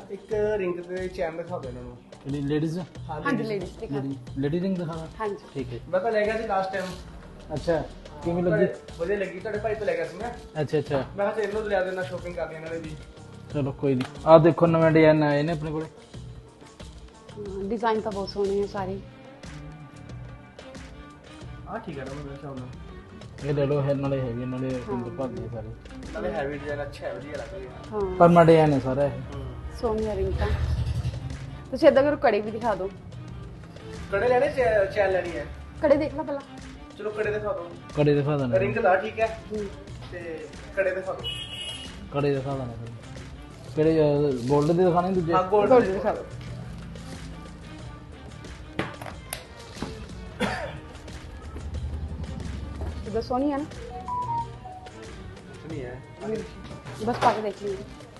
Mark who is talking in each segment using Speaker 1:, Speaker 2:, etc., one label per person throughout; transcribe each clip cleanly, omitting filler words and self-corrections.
Speaker 1: ਇੱਕ ਰਿੰਗ ਤੇ ਚੈਨ ਦਿਖਾ ਦਿਓ ਇਹਨਾਂ ਨੂੰ।
Speaker 2: ਲੇਡੀਜ਼
Speaker 3: ਹਾਂਜੀ ਲੇਡੀਜ਼ ਦਿਖਾ
Speaker 2: ਲੇਡੀ ਰਿੰਗ ਦਿਖਾਣਾ।
Speaker 3: ਹਾਂਜੀ
Speaker 2: ਠੀਕ ਹੈ।
Speaker 1: ਮੈਂ ਤਾਂ ਲੈ ਗਿਆ ਸੀ ਲਾਸਟ ਟਾਈਮ।
Speaker 2: ਅੱਛਾ ਕਿਵੇਂ ਲੱਗੀ?
Speaker 1: ਵਧੀਆ ਲੱਗੀ, ਤੁਹਾਡੇ ਭਾਈ ਤੋਂ ਲੈ ਗਿਆ ਸੀ ਮੈਂ।
Speaker 2: ਅੱਛਾ ਅੱਛਾ
Speaker 1: ਮੈਂ ਕਿਹਾ ਇਹਨੂੰ ਲਿਆ ਦੇਣਾ, ਸ਼ੋਪਿੰਗ ਕਰ ਲਈ ਇਹਨਾਂ ਨੇ ਵੀ।
Speaker 2: ਚਲੋ ਕੋਈ ਨਹੀਂ। ਆਹ ਦੇਖੋ ਨਵੇਂ ਡਿਜ਼ਾਈਨ ਆਏ ਨੇ ਆਪਣੇ ਕੋਲੇ।
Speaker 3: डिजाइन तो बहुत सोहने हैं सारे।
Speaker 1: ਆਹ ਠੀਕ ਹੈ ਨਾ ਮੇਰੇ ਹਿਸਾਬ ਨਾਲ।
Speaker 2: ਇਹ ਲੈ ਲਓ, ਹੈ ਨਾਲੇ ਹੈਗੇ ਨਾਲੇ ਰਿੰਗ ਭਰਦੇ ਸਾਰੇ।
Speaker 1: ਨਾਲੇ ਹੈਵੀ ਡਿਜ਼ਾਈਨ ਅੱਛਾ ਹੈ, ਵਧੀਆ ਲੱਗ ਰਿਹਾ।
Speaker 3: हाँ
Speaker 2: ਪਰ ਮੈਂ ਡਿਜ਼ਾਈਨ ਹੈ ਸਾਰਾ ਇਹ।
Speaker 3: सोहनी रिंग का। ਤੁਸੀਂ ਇਦਾਂ ਕਰੋ ਕੜੇ ਵੀ ਦਿਖਾ ਦਿਓ।
Speaker 1: ਕੜੇ ਲੈਣੇ ਚੈਨ ਲੈਣੀ ਹੈ?
Speaker 3: ਕੜੇ ਦੇਖ ਲਾ ਪਹਿਲਾਂ।
Speaker 1: ਚਲੋ ਕੜੇ ਦਿਖਾ ਦਿਓ।
Speaker 2: ਕੜੇ ਦਿਖਾ ਦੇਣਾ।
Speaker 1: ਰਿੰਗ ਦਾ ਠੀਕ ਹੈ ਤੇ ਕੜੇ ਦਿਖਾ ਦਿਓ।
Speaker 2: ਕੜੇ ਦਿਖਾ ਦੇਣਾ ਕਿਹੜੇ 골ਡ ਦੇ ਦਿਖਾਣੇ ਦੂਜੇ?
Speaker 1: ਹਾਂ ਗੋਲਡ
Speaker 3: ਗੋਲਡ ਦਿਖਾ ਦਿਓ। इधर सोनी है ना?
Speaker 1: ਨਹੀਂ ਹੈ।
Speaker 3: बस पाके देख लीजिए।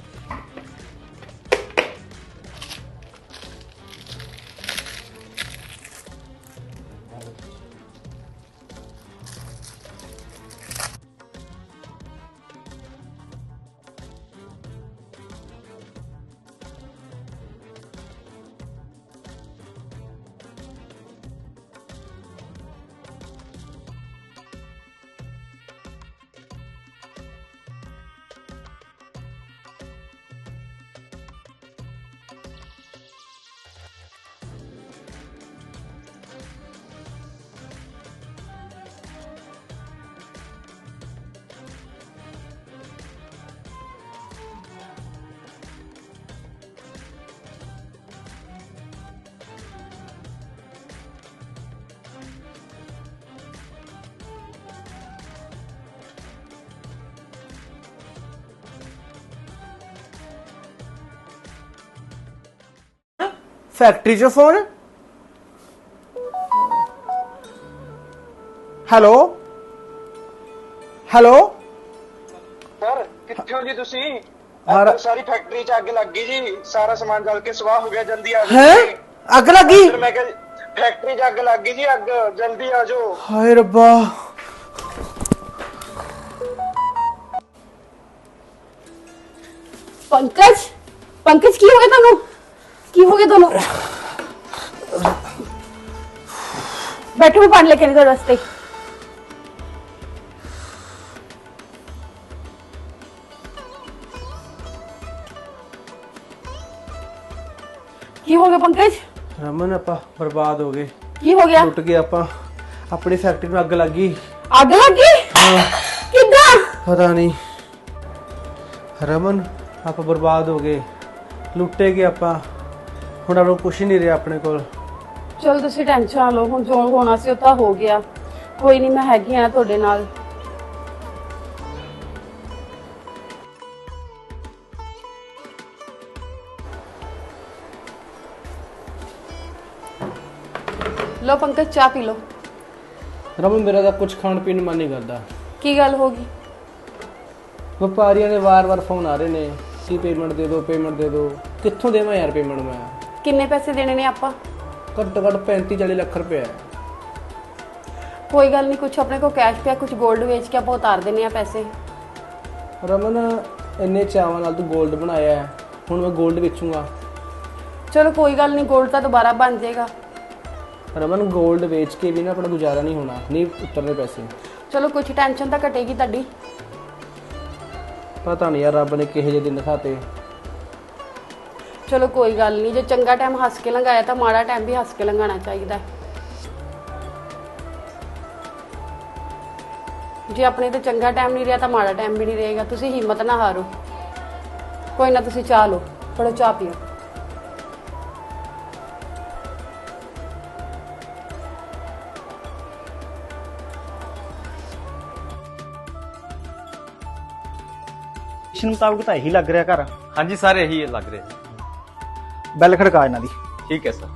Speaker 1: फैक्ट्री चो फोन। हेलो हेलो
Speaker 4: सर कितने हो जी तुसी?
Speaker 1: हर
Speaker 4: सारी फैक्ट्री च अग लग गई जी, सारा सामान जल के स्वाह हो गया, जल्दी आ
Speaker 1: है
Speaker 4: जाओ।
Speaker 1: अग लगी?
Speaker 4: फिर मैं कहा फैक्ट्री च अग लग गई जी, अग जल्दी आ जाओ।
Speaker 1: हाय रब्बा।
Speaker 3: पंकज पंकज की हो गया दोनों? की हो गया दोनों? बैठो, मैं पानी लेके नहीं रास्ते। की हो गया पंकज?
Speaker 1: रमन आपा बर्बाद हो गए,
Speaker 3: की हो गया?
Speaker 1: टुट गए आपा। अपनी फैक्ट्री में अग लग गई।
Speaker 3: आग लग गई? कितना?
Speaker 1: पता नहीं रमन, आप बर्बाद हो गए, लुटे गए आपा। ਹੁਣ ਆਪਣਾ ਕੁਝ ਨਹੀਂ ਰਿਹਾ ਆਪਣੇ ਕੋਲ।
Speaker 3: ਚਲ ਤੁਸੀਂ ਟੈਨਸ਼ਨ ਨਾ ਲਓ, ਹੁਣ ਜੋ ਹੋਣਾ ਸੀ ਉਹ ਤਾਂ ਹੋ ਗਿਆ। ਕੋਈ ਨਹੀਂ, ਮੈਂ ਹੈਗੀ ਆ ਤੁਹਾਡੇ ਨਾਲ। ਲਓ ਪੰਕਜ, ਚਾਹ ਪੀ ਲਓ।
Speaker 1: ਰਮਨ ਮੇਰਾ ਤਾਂ ਕੁਝ ਖਾਣ ਪੀਣ ਨੂੰ ਮਨ ਨਹੀਂ ਕਰਦਾ।
Speaker 3: ਕੀ ਗੱਲ ਹੋ ਗਈ?
Speaker 1: ਵਪਾਰੀਆਂ ਦੇ ਵਾਰ-ਵਾਰ ਫੋਨ ਆ ਰਹੇ ਨੇ ਕਿ ਪੇਮੈਂਟ ਦੇ ਦਿਓ, ਪੇਮੈਂਟ ਦੇ ਦਿਓ। ਕਿੱਥੋਂ ਦੇਵਾਂ ਯਾਰ ਪੇਮੈਂਟ ਮੈਂ?
Speaker 3: ਕਿੰਨੇ ਪੈਸੇ ਦੇਣੇ ਨੇ ਆਪਾਂ?
Speaker 1: ਘੱਟੋ ਘੱਟ 35-40 ਲੱਖ ਰੁਪਏ ਹੈ।
Speaker 3: ਕੋਈ ਗੱਲ ਨਹੀਂ, ਕੁਝ ਆਪਣੇ ਕੋਲ ਕੈਸ਼ ਪਿਆ, ਕੁਝ 골ਡ ਵੇਚ ਕੇ ਆਪਾਂ ਉਤਾਰ ਦਿੰਨੇ ਆ ਪੈਸੇ।
Speaker 1: ਰਮਨ ਇੰਨੇ ਚਾਵਾਂ ਨਾਲ ਤੂੰ 골ਡ ਬਣਾਇਆ ਹੈ, ਹੁਣ ਮੈਂ 골ਡ ਵੇਚੂੰਗਾ?
Speaker 3: ਚਲੋ ਕੋਈ ਗੱਲ ਨਹੀਂ, 골ਡ ਤਾਂ ਦੁਬਾਰਾ ਬਣ ਜਾਏਗਾ।
Speaker 1: ਰਮਨ 골ਡ ਵੇਚ ਕੇ ਵੀ ਨਾ ਆਪਣਾ ਗੁਜ਼ਾਰਾ ਨਹੀਂ ਹੋਣਾ, ਨਹੀਂ ਉਤਰਨੇ ਪੈਸੇ।
Speaker 3: ਚਲੋ ਕੁਝ ਟੈਨਸ਼ਨ ਤਾਂ ਘਟੇਗੀ ਤੁਹਾਡੀ।
Speaker 1: ਪਤਾ ਨਹੀਂ ਯਾਰ ਰੱਬ ਨੇ ਕਿਹੋ ਜਿਹੇ ਦਿਨ ਦਿਖਾਤੇ।
Speaker 3: ਚਲੋ ਕੋਈ ਗੱਲ ਨਹੀਂ, ਜੇ ਚੰਗਾ ਟਾਈਮ ਹੱਸ ਕੇ ਲੰਘਾਇਆ ਤਾਂ ਮਾੜਾ ਟਾਈਮ ਵੀ ਹੱਸ ਕੇ ਲੰਘਾਉਣਾ ਚਾਹੀਦਾ। ਜੇ ਆਪਣੇ ਤੇ ਚੰਗਾ ਟਾਈਮ ਨਹੀਂ ਰਿਹਾ ਤਾਂ ਮਾੜਾ ਟਾਈਮ ਵੀ ਨਹੀਂ ਰਹੇਗਾ। ਤੁਸੀਂ ਹਿੰਮਤ ਨਾ ਹਾਰੋ। ਕੋਈ ਨਾ, ਤੁਸੀਂ ਚਾਹ ਲਓ, ਫੜੋ ਚਾਹ ਪੀਓ।
Speaker 5: ਮੁਤਾਬਕ ਤਾਂ ਇਹੀ ਲੱਗ ਰਿਹਾ ਘਰ।
Speaker 6: ਹਾਂਜੀ ਸਰ, ਇਹੀ ਲੱਗ ਰਿਹਾ।
Speaker 5: ਬੈਲ ਖੜਕਾ ਇਹਨਾਂ ਦੀ।
Speaker 6: ਠੀਕ ਹੈ ਸਰ।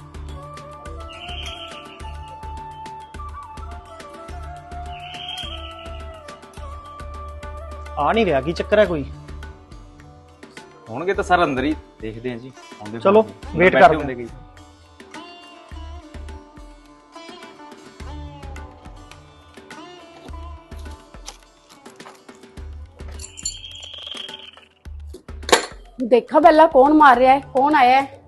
Speaker 5: ਆ ਨਹੀਂ ਰਿਹਾ, ਕੀ ਚੱਕਰ ਹੈ ਕੋਈ?
Speaker 6: ਹੋਣਗੇ ਤਾਂ ਸਰ ਅੰਦਰ ਹੀ, ਦੇਖਦੇ ਹਾਂ ਜੀ। ਆਉਂਦੇ
Speaker 5: ਚਲੋ,
Speaker 6: ਹੋਣਗੇ।
Speaker 5: ਵੇਟ
Speaker 6: ਬੈਠੇ
Speaker 5: ਕਰਦੇ
Speaker 6: ਹੁੰਦੇ ਕਈ।
Speaker 3: ਦੇਖਾ ਪਹਿਲਾਂ ਕੌਣ ਮਾਰ ਰਿਹਾ ਹੈ, ਕੌਣ ਆਇਆ ਹੈ।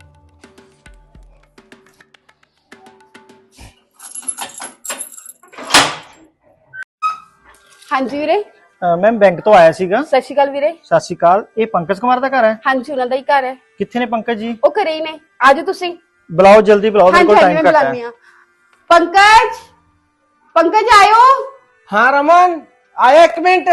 Speaker 3: ਹਾਂਜੀ ਵੀਰੇ।
Speaker 5: ਮੈਮ ਬੈਂਕ ਤੋਂ ਆਇਆ ਸੀਗਾ।
Speaker 3: ਸਤਿ ਸ਼੍ਰੀ ਅਕਾਲ ਵੀਰੇ।
Speaker 5: ਸਤਿ ਸ਼੍ਰੀ ਅਕਾਲ। ਇਹ ਪੰਕਜ ਕੁਮਾਰ ਦਾ ਘਰ ਹੈ?
Speaker 3: ਹਾਂਜੀ ਉਹਨਾਂ ਦਾ ਹੀ ਘਰ ਹੈ।
Speaker 5: ਕਿੱਥੇ ਨੇ ਪੰਕਜ ਜੀ?
Speaker 3: ਉਹ ਘਰੇ ਹੀ ਨੇ, ਆਜੋ ਤੁਸੀਂ।
Speaker 5: ਬੁਲਾਓ ਜਲਦੀ ਬੁਲਾਓ, ਮੇਰੇ ਕੋਲ
Speaker 3: ਹਾਂਜੀ
Speaker 5: ਟਾਈਮ
Speaker 3: ਮੈਂ
Speaker 5: ਘੱਟ
Speaker 3: ਬੁਲਾਉਂਦੀ
Speaker 5: ਹੈ।
Speaker 3: ਹਾਂ। ਪੰਕਜ, ਪੰਕਜ ਆਇਓ।
Speaker 1: हाँ रमन आया, एक मिनट।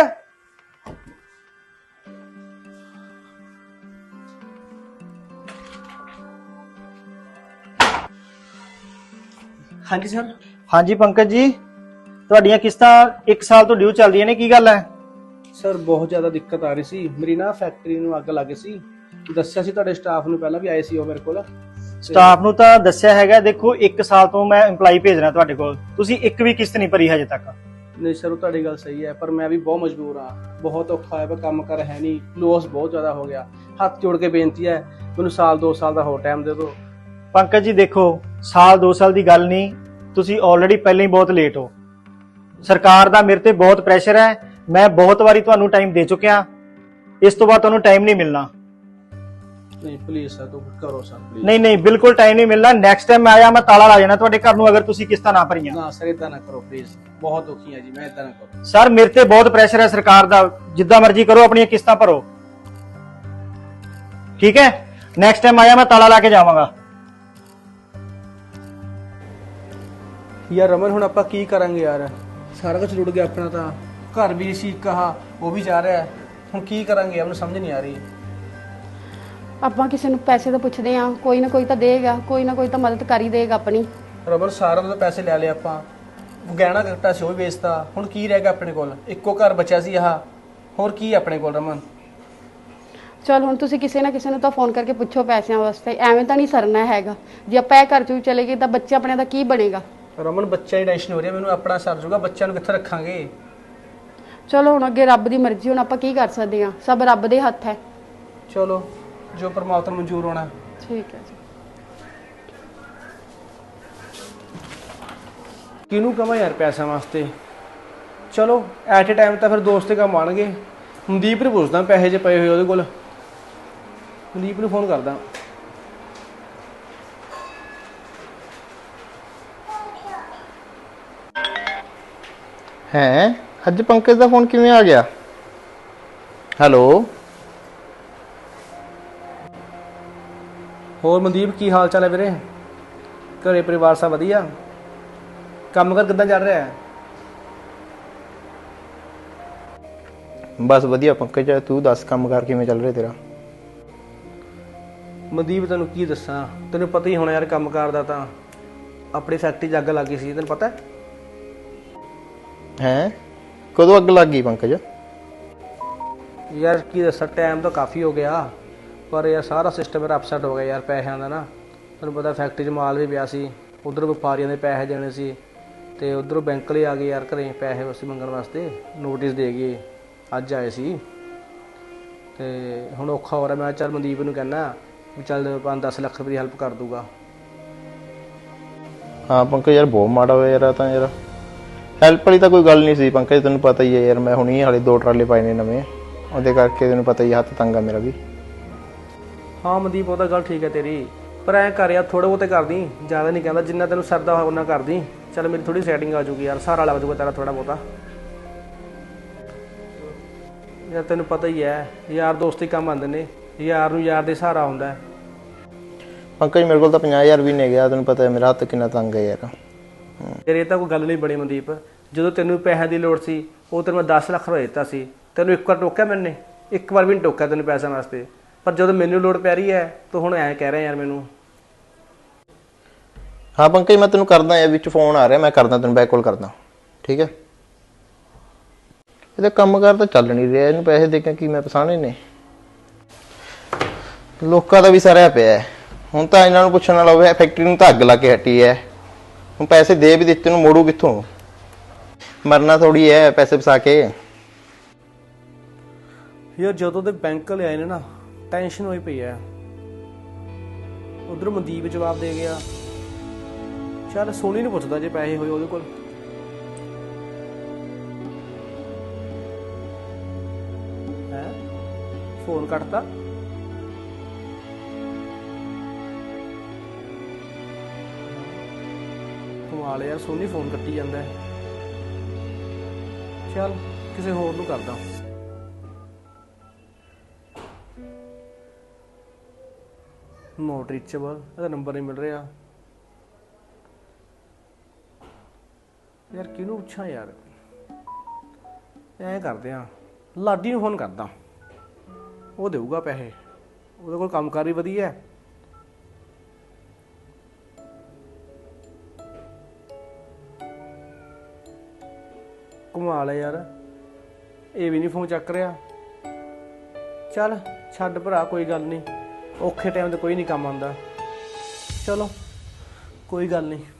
Speaker 1: हाँ जी सर।
Speaker 5: ਹਾਂਜੀ ਪੰਕਜ ਜੀ, ਤੁਹਾਡੀਆਂ ਕਿਸ਼ਤਾਂ 1 ਸਾਲ ਤੋਂ ਡਿਊ ਚੱਲ ਰਹੀਆਂ ਨੇ, ਕੀ ਗੱਲ ਹੈ?
Speaker 1: ਸਰ ਬਹੁਤ ਜ਼ਿਆਦਾ ਦਿੱਕਤ ਆ ਰਹੀ ਸੀ, ਮੇਰੀ ਨਾ ਫੈਕਟਰੀ ਨੂੰ ਅੱਗ ਲੱਗ ਗਈ ਸੀ। ਦੱਸਿਆ ਸੀ ਤੁਹਾਡੇ ਸਟਾਫ ਨੂੰ, ਪਹਿਲਾਂ ਵੀ ਆਏ ਸੀ ਉਹ ਮੇਰੇ ਕੋਲ।
Speaker 5: ਸਟਾਫ ਨੂੰ ਤਾਂ ਦੱਸਿਆ ਹੈਗਾ। ਦੇਖੋ 1 ਸਾਲ ਤੋਂ ਮੈਂ EMPLOYE ਭੇਜ ਰਿਹਾ ਤੁਹਾਡੇ ਕੋਲ, ਤੁਸੀਂ ਇੱਕ ਵੀ ਕਿਸ਼ਤ ਨਹੀਂ ਭਰੀ ਹਜੇ ਤੱਕ।
Speaker 1: ਨਹੀਂ ਸਰ, ਉਹ ਤੁਹਾਡੀ ਗੱਲ ਸਹੀ ਹੈ, ਪਰ ਮੈਂ ਵੀ ਬਹੁਤ ਮਜਬੂਰ ਹਾਂ। ਬਹੁਤ ਔਖਾ ਹੈ, ਕੰਮ ਕਰ ਹੈ ਨਹੀਂ, ਲੋਸ ਬਹੁਤ ਜ਼ਿਆਦਾ ਹੋ ਗਿਆ। ਹੱਥ ਜੋੜ ਕੇ ਬੇਨਤੀ ਹੈ, ਮੈਨੂੰ ਸਾਲ 2 ਸਾਲ ਦਾ ਹੋਰ ਟਾਈਮ ਦੇ ਦਿਓ।
Speaker 5: ਪੰਕਜ ਜੀ ਦੇਖੋ, ਸਾਲ 2 ਸਾਲ ਦੀ ਗੱਲ ਨਹੀਂ, ਤੁਸੀਂ ਆਲਰੇਡੀ ਪਹਿਲਾਂ ਹੀ ਬਹੁਤ ਲੇਟ ਹੋ। ਸਰਕਾਰ ਦਾ ਮੇਰੇ ਤੇ ਬਹੁਤ ਪ੍ਰੈਸ਼ਰ ਹੈ, ਮੈਂ ਬਹੁਤ ਵਾਰੀ ਤੁਹਾਨੂੰ ਟਾਈਮ ਦੇ ਚੁੱਕਿਆ, ਇਸ ਤੋਂ ਬਾਅਦ ਤੁਹਾਨੂੰ ਟਾਈਮ ਨਹੀਂ ਮਿਲਣਾ।
Speaker 1: ਨਹੀਂ ਪਲੀਜ਼ ਸਰ, ਤੂੰ ਕਰੋ ਸਰ ਪਲੀਜ਼।
Speaker 5: ਨਹੀਂ ਨਹੀਂ, ਬਿਲਕੁਲ ਟਾਈਮ ਨਹੀਂ ਮਿਲਣਾ। ਨੈਕਸਟ ਟਾਈਮ ਮੈਂ ਆਇਆ, ਮੈਂ ਤਾਲਾ ਲਾ ਜਾਣਾ ਤੁਹਾਡੇ ਘਰ ਨੂੰ, ਅਗਰ ਤੁਸੀਂ ਕਿਸ਼ਤਾਂ ਨਾ ਭਰੀਆਂ।
Speaker 1: ਨਾ ਸਰ, ਇਦਾਂ ਨਾ ਕਰੋ ਪਲੀਜ਼, ਬਹੁਤ ਔਖੀ ਹੈ ਜੀ, ਮੈਂ ਇਦਾਂ ਨਾ ਕਰੋ।
Speaker 5: ਸਰ ਮੇਰੇ ਤੇ ਬਹੁਤ ਪ੍ਰੈਸ਼ਰ ਹੈ ਸਰਕਾਰ ਦਾ, ਜਿੱਦਾਂ ਮਰਜ਼ੀ ਕਰੋ, ਆਪਣੀਆਂ ਕਿਸ਼ਤਾਂ ਭਰੋ, ਠੀਕ ਹੈ? ਨੈਕਸਟ ਟਾਈਮ ਆਇਆ, ਮੈਂ ਤਾਲਾ ਲਾ ਕੇ ਜਾਵਾਂਗਾ।
Speaker 1: ਯਾਰ ਰਮਨ, ਹੁਣ ਆਪਾਂ ਕੀ ਕਰਾਂਗੇ ਯਾਰ? ਸਾਰਾ ਕੁਝ ਰੁੜ ਗਿਆ ਆਪਣਾ, ਤਾਂ ਘਰ ਵੀ ਸੀ ਕਹਾ, ਉਹ ਵੀ ਜਾ ਰਿਹਾ। ਹੁਣ ਕੀ ਕਰਾਂਗੇ, ਮੈਨੂੰ ਸਮਝ ਨਹੀਂ ਆ ਰਹੀ।
Speaker 3: ਆਪਾਂ ਕਿਸੇ ਨੂੰ ਪੈਸੇ ਤਾਂ ਪੁੱਛਦੇ ਆ, ਕੋਈ ਨਾ ਕੋਈ ਤਾਂ ਦੇਗਾ, ਕੋਈ ਨਾ ਕੋਈ ਤਾਂ ਮਦਦ ਕਰ ਹੀ ਦੇਗਾ ਆਪਣੀ।
Speaker 1: ਰਮਨ ਸਾਰਿਆਂ ਤੋਂ ਪੈਸੇ ਲੈ ਲਏ ਆਪਾਂ, ਗਹਿਣਾ ਗੱਟਾ ਸੀ ਉਹ ਵੀ ਵੇਚਤਾ, ਹੁਣ ਕੀ ਰਹਿ ਗਿਆ ਆਪਣੇ ਕੋਲ? ਇੱਕੋ ਘਰ ਬਚਿਆ ਸੀ ਆਹ, ਹੋਰ ਕੀ ਆਪਣੇ ਕੋਲ ਰਮਨ?
Speaker 3: ਚਲ ਹੁਣ ਤੁਸੀਂ ਕਿਸੇ ਨਾ ਕਿਸੇ ਨੂੰ ਤਾਂ ਫੋਨ ਕਰਕੇ ਪੁੱਛੋ ਪੈਸਿਆਂ ਵਾਸਤੇ, ਐਵੇਂ ਤਾਂ ਨਹੀਂ ਸਰਨਾ ਹੈਗਾ। ਜੇ ਆਪਾਂ ਇਹ ਘਰ ਚੋਂ ਚਲੇ ਗਏ ਤਾਂ ਬੱਚੇ ਆਪਣੇ ਦਾ ਕੀ ਬਣੇਗਾ?
Speaker 1: ਰਮਨ ਬੱਚਿਆਂ ਦੀ ਟੈਨਸ਼ਨ ਹੋ ਰਹੀ ਹੈ ਮੈਨੂੰ, ਆਪਣਾ ਸਰ ਜੂਗਾ, ਬੱਚਿਆਂ ਨੂੰ ਕਿੱਥੇ ਰੱਖਾਂਗੇ?
Speaker 3: ਚਲੋ ਹੁਣ ਅੱਗੇ ਰੱਬ ਦੀ ਮਰਜ਼ੀ, ਹੁਣ ਆਪਾਂ ਕੀ ਕਰ ਸਕਦੇ ਆ, ਸਭ ਰੱਬ ਦੇ ਹੱਥ ਹੈ।
Speaker 1: ਚਲੋ ਜੋ ਪਰਮਾਤਮਾ ਨੂੰ ਮਨਜ਼ੂਰ ਹੋਣਾ।
Speaker 3: ਠੀਕ ਹੈ ਜੀ।
Speaker 1: ਕਿਹਨੂੰ ਕਵਾਂ ਯਾਰ ਪੈਸਿਆਂ ਵਾਸਤੇ? ਚਲੋ ਐਟ ਏ ਟਾਈਮ ਤਾਂ ਫਿਰ ਦੋਸਤ ਦੇ ਕੰਮ ਆਣਗੇ। ਮਨਦੀਪ ਨੂੰ ਪੁੱਛਦਾ ਪੈਸੇ ਜੇ ਪਏ ਹੋਏ ਉਹਦੇ ਕੋਲ, ਮਨਦੀਪ ਨੂੰ ਫੋਨ ਕਰਦਾ।
Speaker 7: ਹੈ ਅੱਜ ਪੰਕਜ ਦਾ ਫੋਨ ਕਿਵੇਂ ਆ ਗਿਆ? ਹੈਲੋ,
Speaker 1: ਹੋਰ ਮਨਦੀਪ ਕੀ ਹਾਲ ਚਾਲ ਹੈ ਵੀਰੇ? ਘਰੇ ਪਰਿਵਾਰ ਸਭ ਵਧੀਆ? ਕੰਮ ਕਰ ਕਿੱਦਾਂ ਚੱਲ ਰਿਹਾ ਹੈ?
Speaker 7: ਬਸ ਵਧੀਆ ਪੰਕਜ, ਤੂੰ ਦੱਸ ਕੰਮ ਕਾਰ ਕਿਵੇਂ ਚੱਲ ਰਿਹਾ ਤੇਰਾ?
Speaker 1: ਮਨਦੀਪ ਤੈਨੂੰ ਕੀ ਦੱਸਾਂ, ਤੈਨੂੰ ਪਤਾ ਹੀ ਹੋਣਾ ਯਾਰ, ਕੰਮ ਕਾਰ ਦਾ ਤਾਂ ਆਪਣੀ ਫੈਕਟਰੀ 'ਚ ਅੱਗ ਲੱਗ ਗਈ ਸੀ, ਤੈਨੂੰ ਪਤਾ
Speaker 7: ਹੈ? ਕਦੋਂ ਅੱਗ ਲੱਗ ਗਈ ਪੰਕਜ?
Speaker 1: ਯਾਰ ਕੀ ਦੱਸਾਂ, ਟਾਈਮ ਤਾਂ ਕਾਫੀ ਹੋ ਗਿਆ, ਪਰ ਯਾਰ ਸਾਰਾ ਸਿਸਟਮ ਮੇਰਾ ਅਪਸੈਟ ਹੋ ਗਿਆ ਯਾਰ ਪੈਸਿਆਂ ਦਾ ਨਾ। ਤੈਨੂੰ ਪਤਾ ਫੈਕਟਰੀ 'ਚ ਮਾਲ ਵੀ ਪਿਆ ਸੀ, ਉਧਰ ਵਪਾਰੀਆਂ ਦੇ ਪੈਸੇ ਦੇਣੇ ਸੀ, ਤੇ ਉਧਰੋਂ ਬੈਂਕ ਲਈ ਆ ਗਏ ਯਾਰ ਘਰੇ ਪੈਸੇ ਵਾਸਤੇ ਮੰਗਣ ਵਾਸਤੇ, ਨੋਟਿਸ ਦੇ ਗਏ, ਅੱਜ ਆਏ ਸੀ। ਤੇ ਹੁਣ ਔਖਾ ਹੋ ਰਿਹਾ। ਮੈਂ ਚੱਲ ਮਨਦੀਪ ਨੂੰ ਕਹਿਣਾ ਵੀ ਚੱਲ 5-10 ਲੱਖ ਰੁਪਏ ਦੀ ਹੈਲਪ ਕਰ ਦੂਗਾ।
Speaker 7: ਹਾਂ ਪੰਕਜ ਯਾਰ ਬਹੁਤ ਮਾੜਾ ਹੋਇਆ ਯਾਰ, ਤਾਂ ਯਾਰ ਹੈਲਪ ਵਾਲੀ ਤਾਂ ਕੋਈ ਗੱਲ ਨਹੀਂ ਸੀ ਪੰਕਜ, ਤੈਨੂੰ ਪਤਾ ਹੀ ਹੈ ਯਾਰ, ਮੈਂ ਹੁਣੀ ਹਾਲੇ 2 ਟਰਾਲੇ ਪਾਏ ਨੇ ਨਵੇਂ, ਉਹਦੇ ਕਰਕੇ ਤੈਨੂੰ ਪਤਾ ਹੀ ਹੱਥ ਤੰਗ ਆ ਮੇਰਾ ਵੀ।
Speaker 1: ਹਾਂ ਮਨਦੀਪ, ਉਹ ਤਾਂ ਗੱਲ ਠੀਕ ਹੈ ਤੇਰੀ, ਪਰ ਐਂ ਕਰ ਯਾਰ ਥੋੜੇ ਬਹੁਤੇ ਕਰਦੀ, ਜ਼ਿਆਦਾ ਨਹੀਂ ਕਹਿੰਦਾ, ਜਿੰਨਾ ਤੈਨੂੰ ਸਰਦਾ ਹੋਇਆ ਉਹਨਾਂ ਕਰਦੀ। ਚੱਲ ਮੇਰੀ ਥੋੜੀ ਸੈਟਿੰਗ ਆ ਜੂਗੀ ਯਾਰ, ਸਹਾਰਾ ਲੱਗ ਜੂਗਾ ਤੇਰਾ ਥੋੜਾ ਬਹੁਤਾ। ਯਾਰ ਤੈਨੂੰ ਪਤਾ ਹੀ ਹੈ, ਯਾਰ ਦੋਸਤੀ ਕੰਮ ਆਉਂਦੇ ਨੇ, ਯਾਰ ਨੂੰ ਯਾਰ ਦੇ ਸਹਾਰਾ ਹੁੰਦਾ।
Speaker 7: ਪੰਕਜ ਮੇਰੇ ਕੋਲ ਤਾਂ 50,000 ਵੀ ਨਹੀਂ ਗਿਆ, ਤੈਨੂੰ ਪਤਾ ਹੈ ਮੇਰਾ ਹੱਥ ਕਿੰਨਾ ਤੰਗ ਹੈ ਯਾਰ।
Speaker 1: ਯਾਰ ਇਹ ਤਾਂ ਕੋਈ ਗੱਲ ਨਹੀਂ ਬਣੀ ਮਨਦੀਪ, ਜਦੋਂ ਤੈਨੂੰ ਪੈਸਿਆਂ ਦੀ ਲੋੜ ਸੀ ਉਹ ਤੈਨੂੰ ਮੈਂ 10 ਲੱਖ ਰੁਪਏ ਦਿੱਤਾ ਸੀ, ਤੈਨੂੰ ਇੱਕ ਵਾਰ ਟੋਕਿਆ ਮੈਨੇ? ਇੱਕ ਵਾਰ ਵੀ ਨਹੀਂ ਟੋਕਿਆ ਤੈਨੂੰ ਪੈਸਿਆਂ ਵਾਸਤੇ, ਪਰ ਜਦੋਂ ਮੈਨੂੰ ਲੋੜ ਪੈ ਰਹੀ ਹੈ ਤੂੰ ਹੁਣ ਐਂ ਕਹਿ ਰਿਹਾ ਯਾਰ ਮੈਨੂੰ।
Speaker 7: ਹਾਂ ਪੰਕਜ ਮੈਂ ਤੈਨੂੰ ਕਰਦਾ ਯਾਰ, ਵਿੱਚ ਫੋਨ ਆ ਰਿਹਾ, ਮੈਂ ਕਰਦਾ ਤੈਨੂੰ ਬੈਕ ਕਾਲ ਕਰਦਾ, ਠੀਕ ਹੈ? ਇਹਦਾ ਕੰਮ ਕਾਰ ਤਾਂ ਚੱਲ ਨਹੀਂ ਰਿਹਾ, ਇਹਨੂੰ ਪੈਸੇ ਦੇ ਕੇ ਕੀ ਮੈਂ ਪਛਾਣੇ ਨੇ? ਲੋਕਾਂ ਦਾ ਵੀ ਸਾਰਿਆ ਪਿਆ ਹੈ, ਹੁਣ ਤਾਂ ਇਹਨਾਂ ਨੂੰ ਪੁੱਛਣ ਵਾਲਾ ਹੋਵੇ, ਫੈਕਟਰੀ ਨੂੰ ਤਾਂ ਅੱਗ ਲਾ ਕੇ ਹਟੀ ਹੈ, ਹੁਣ ਪੈਸੇ ਦੇ ਵੀ ਦਿੱਤੇ ਨੂੰ ਮੋੜੂ ਕਿੱਥੋਂ? ਮਰਨਾ ਥੋੜੀ ਹੈ ਪੈਸੇ ਫਸਾ ਕੇ।
Speaker 1: ਯਾਰ ਜਦੋਂ ਦੇ ਬੈਂਕ ਵਾਲੇ ਆਏ ਨੇ ਨਾ, ਟੈਨਸ਼ਨ ਹੋਈ ਪਈ ਹੈ। ਉਧਰ ਮਨਦੀਪ ਜਵਾਬ ਦੇ ਗਿਆ, ਚੱਲ ਸੋਨੀ ਨੂੰ ਪੁੱਛਦਾ ਜੇ ਪੈਸੇ ਹੋਏ ਉਹਦੇ ਕੋਲ। ਹੈ ਫੋਨ ਕੱਟਤਾ? ਕਮਾਲ ਯਾਰ, ਸੋਨੀ ਫੋਨ ਕੱਟੀ ਜਾਂਦਾ ਹੈ। ਚੱਲ ਕਿਸੇ ਹੋਰ ਨੂੰ ਕਰਦਾ। ਨੋਟ ਰੀਚੇਬਲ, ਇਹਦਾ ਨੰਬਰ ਨਹੀਂ ਮਿਲ ਰਿਹਾ ਯਾਰ। ਕਿਹਨੂੰ ਪੁੱਛਾਂ ਯਾਰ? ਐਂ ਕਰਦੇ ਆ, ਲਾਡੀ ਨੂੰ ਫੋਨ ਕਰਦਾ, ਉਹ ਦੇਊਗਾ ਪੈਸੇ, ਉਹਦੇ ਕੋਲ ਕੰਮਕਾਰ ਵੀ ਵਧੀਆ ਹੈ। ਕਮਾਲ ਹੈ ਯਾਰ, ਇਹ ਵੀ ਨਹੀਂ ਫੋਨ ਚੱਕ ਰਿਹਾ। ਚੱਲ ਛੱਡ ਭਰਾ, ਕੋਈ ਗੱਲ ਨਹੀਂ, ਔਖੇ ਟਾਈਮ ਤੇ ਕੋਈ ਨਹੀਂ ਕੰਮ ਆਉਂਦਾ। ਚਲੋ ਕੋਈ ਗੱਲ ਨਹੀਂ।